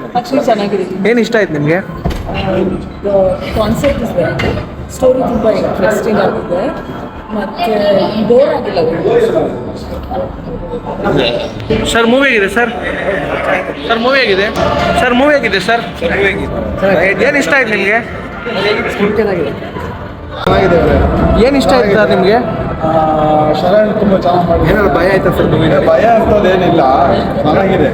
Actually ಚೆನ್ನಾಗಿದೆ. ಏನು ಇಷ್ಟ ಆಯ್ತು ನಿಮಗೆ? ಕಾನ್ಸೆಪ್ಟ್ ಇಸ್ ವೆರಿ ಸ್ಟೋರಿ ತುಂಬ ಇಂಟ್ರೆಸ್ಟಿಂಗ್ ಆಗಿದೆ ಮತ್ತು ಬೋರ್ ಆಗಿಲ್ಲ. ಸರ್ ಮೂವಿ ಆಗಿದೆ ಸರ್. ಸರ್ ಮೂವಿ ಆಗಿದೆ. ಸರ್ ಮೂವಿ ಆಗಿದೆ ಸರ್. ಏನು ಇಷ್ಟ ಆಯ್ತು ನಿಮಗೆ? ಚೆನ್ನಾಗಿದೆ. ಏನು ಇಷ್ಟ ಆಯ್ತು ಸರ್ ನಿಮಗೆ? ಶರಣ್ ತುಂಬ ಚೆನ್ನಾಗಿ ಮಾಡಿ. ಏನಾದ್ರು ಭಯ ಆಯ್ತಾ ಸರ್ ಮೂವಿ? ಭಯ ಅಂತದೇನಿಲ್ಲ, ಚೆನ್ನಾಗಿದೆ.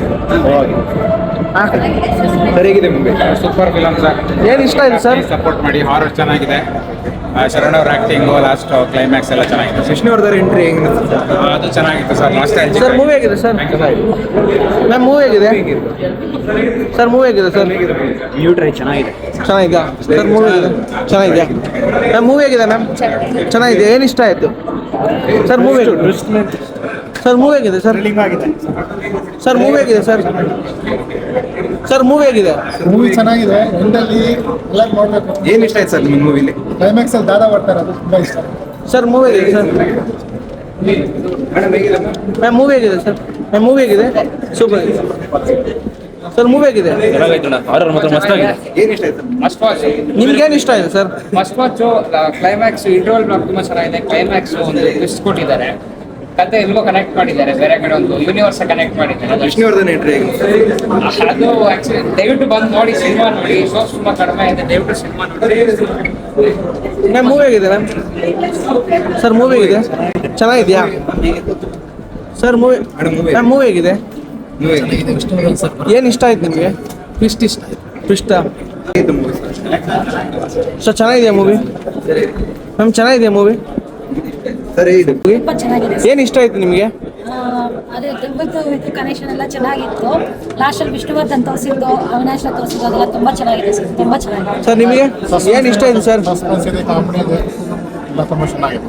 ಸರಿಯಾಗಿದೆ ಮೂವಿ. Super film sir. ಏನು ಇಷ್ಟ ಆಯ್ತು ಸರ್? ಸಪೋರ್ಟ್ ಮಾಡಿ. ಹಾರರ್ ಚೆನ್ನಾಗಿದೆ. ಶರಣ್ ಅವ್ರ ಆಕ್ಟಿಂಗು, ಲಾಸ್ಟ್ ಕ್ಲೈಮ್ಯಾಕ್ಸ್ ಎಲ್ಲ ಚೆನ್ನಾಗಿದೆ. ವಿಷ್ಣುವರ್ಧನ್ ಎಂಟ್ರಿ ಹೆಂಗೆ ಅದು ಚೆನ್ನಾಗಿತ್ತು ಸರ್. ಲಾಸ್ಟ್ ಸರ್ ಮೂವಿ ಆಗಿದೆ ಸರ್. ಮ್ಯಾಮ್ ಮೂವಿ ಆಗಿದೆ ಸರ್. ಮೂವಿ ಆಗಿದೆ ಸರ್. ನ್ಯೂ ಟ್ರೈ ಚೆನ್ನಾಗಿದೆ. ಚೆನ್ನಾಗಿದೆಯಾ ಸರ್? ಮೂವಿ ಆಗಿದೆ ಚೆನ್ನಾಗಿದೆಯಾ ಮ್ಯಾಮ್? ಮೂವಿ ಆಗಿದೆ ಮ್ಯಾಮ್. ಚೆನ್ನಾಗಿದೆ. ಏನು ಇಷ್ಟ ಆಯಿತು ಸರ್? ಮೂವಿ ಸರ್ ಮೂವಿ ಆಗಿದೆ ಸರ್. ಸರ್ ಮೂವಿ ಆಗಿದೆ ಸರ್. ಸರ್ ಮೂವಿ ಆಗಿದೆ. ಮೂವಿ ಚೆನ್ನಾಗಿದೆ. ಎಂಡಲ್ಲಿ ಎಲ್ಲ ನೋಡಬೇಕು. ಏನು ಇಷ್ಟ ಆಯ್ತು ಸರ್ ನಿಮ್ಮ ಮೂವಿಲಿ? ಕ್ಲೈಮ್ಯಾಕ್ಸ್ ಅಲ್ಲಿ ದಾದಾ ಬರ್ತಾರೆ, ಅದು ತುಂಬ ಇಷ್ಟ. ಸರ್ ಮೂವಿ ಆಗಿದೆ ಸರ್. ಮ್ಯಾಮ್ ಮೂವಿ ಆಗಿದೆ ಸರ್. ಮ್ಯಾಮ್ ಮೂವಿ ಆಗಿದೆ. ಸೂಪರ್ ಆಗಿದೆ ಸರ್. ಮೂವಿ ಆಗಿದೆ. ಹಾರರ್ ಮಾತ್ರ ಮಸ್ತಾಗಿದೆ. ಏನು ಇಷ್ಟ ಆಯ್ತು? Must watch. ನಿಮ್ಗೇನು ಇಷ್ಟ ಆಗಿದೆ sir? Must watch. Climax interval block ತುಂಬ ಚೆನ್ನಾಗಿದೆ. ಕ್ಲೈಮ್ಯಾಕ್ಸ್ ಒಂದು ಟ್ವಿಸ್ಟ್ ಕೊಟ್ಟಿದ್ದಾರೆ. ಕತೆ ಎಲ್ಗೋ ಕನೆಕ್ಟ್ ಮಾಡಿದ್ದಾರೆ. ಬೇರೆ ಕಡೆ ಒಂದು ಯೂನಿವರ್ಸ್ ಕನೆಕ್ಟ್ ಮಾಡಿದ್ದಾರೆ. ವಿಷ್ಣುವರ್ಧನ್ ಎಂಟ್ರಿ ಹೇಗೆ? ಅದು ಆಕ್ಚುಲಿ ದಯವಿಟ್ಟು ಬಂದು ನೋಡಿ, ಸಿನಿಮಾ ನೋಡಿ. ಶೋಸ್ ತುಂಬ ಕಡಿಮೆ ಇದೆ, ದಯವಿಟ್ಟು ಸಿನಿಮಾ ನೋಡಿ. ಮ್ಯಾಮ್ ಮೂವಿ ಆಗಿದೆ ಮ್ಯಾಮ್. ಸರ್ ಮೂವಿ ಆಗಿದೆ. ಚೆನ್ನಾಗಿದೆಯಾ ಸರ್ ಮೂವಿ? ಮ್ಯಾಮ್ ಮೂವಿ ಆಗಿದೆ. ಏನು ಇಷ್ಟ ಆಯ್ತು ನಿಮಗೆ? ಟ್ವಿಸ್ಟ್ ಇಷ್ಟ ಆಯ್ತು. ಟ್ವಿಸ್ಟಾ? ಸರ್ ಚೆನ್ನಾಗಿದೆಯಾ ಮೂವಿ? ಮ್ಯಾಮ್ ಚೆನ್ನಾಗಿದೆಯಾ ಮೂವಿ? ಸರಿ. ತುಂಬ ಚೆನ್ನಾಗಿದೆ. ಏನು ಇಷ್ಟ ಆಯ್ತು ನಿಮಗೆ? ಅದೇ ದುರ್ಗದ್ದು ಇದು ಕನೆಕ್ಷನ್ ಎಲ್ಲ ಚೆನ್ನಾಗಿತ್ತು. ಲಾಸ್ಟಲ್ಲಿ ವಿಷ್ಣುವರ್ಧನ್ ತೋರಿಸಿದ್ದು, ಅವಿನಾಶ್ ತೋರಿಸಿದ್ದು ಅದೆಲ್ಲ ತುಂಬ ಚೆನ್ನಾಗಿದೆ ಸರ್. ತುಂಬ ಚೆನ್ನಾಗಿದೆ ಸರ್. ನಿಮಗೆ ಏನು ಇಷ್ಟ ಆಯ್ತು ಸರ್? ಸಸ್ಪೆನ್ಸ್ ಇದೆ, ಕಾಮಿಡಿ ಇದೆ, ಎಲ್ಲ ತುಂಬ ಚೆನ್ನಾಗಿದೆ.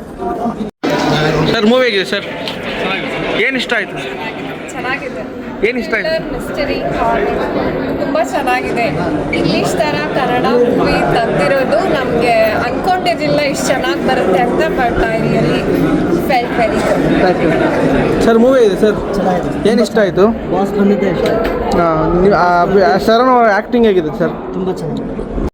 ಸರ್ ಮೂವಿ ಆಗಿದೆ ಸರ್. ಏನು ಇಷ್ಟ ಆಯ್ತು? ಚೆನ್ನಾಗಿದೆ. ಏನು ಇಷ್ಟ ಆಯ್ತು? ಮಿಸ್ಟರಿ ತುಂಬ ಚೆನ್ನಾಗಿದೆ. ಇಂಗ್ಲೀಷ್ ಥರ ಕನ್ನಡ ಮೂವಿ ತೆಗ್ದಿರೋದು ನಮಗೆ ಅನ್ಕೊಂಡಿರಲಿಲ್ಲ ಇಷ್ಟು ಚೆನ್ನಾಗಿ ಬರುತ್ತೆ ಅಂತ. But I really felt very good. Sir movie ಇದೆ ಸರ್. ಏನು ಇಷ್ಟ ಆಯಿತು? ಬಾಸ್ ಬಂದಿದ್ದೆ ಇಷ್ಟ ಆಯ್ತು. ಶರಣ್ ಅವರ ಆ್ಯಕ್ಟಿಂಗ್ ಹೇಗಿದೆ ಸರ್? ತುಂಬ ಚೆನ್ನಾಗಿದೆ.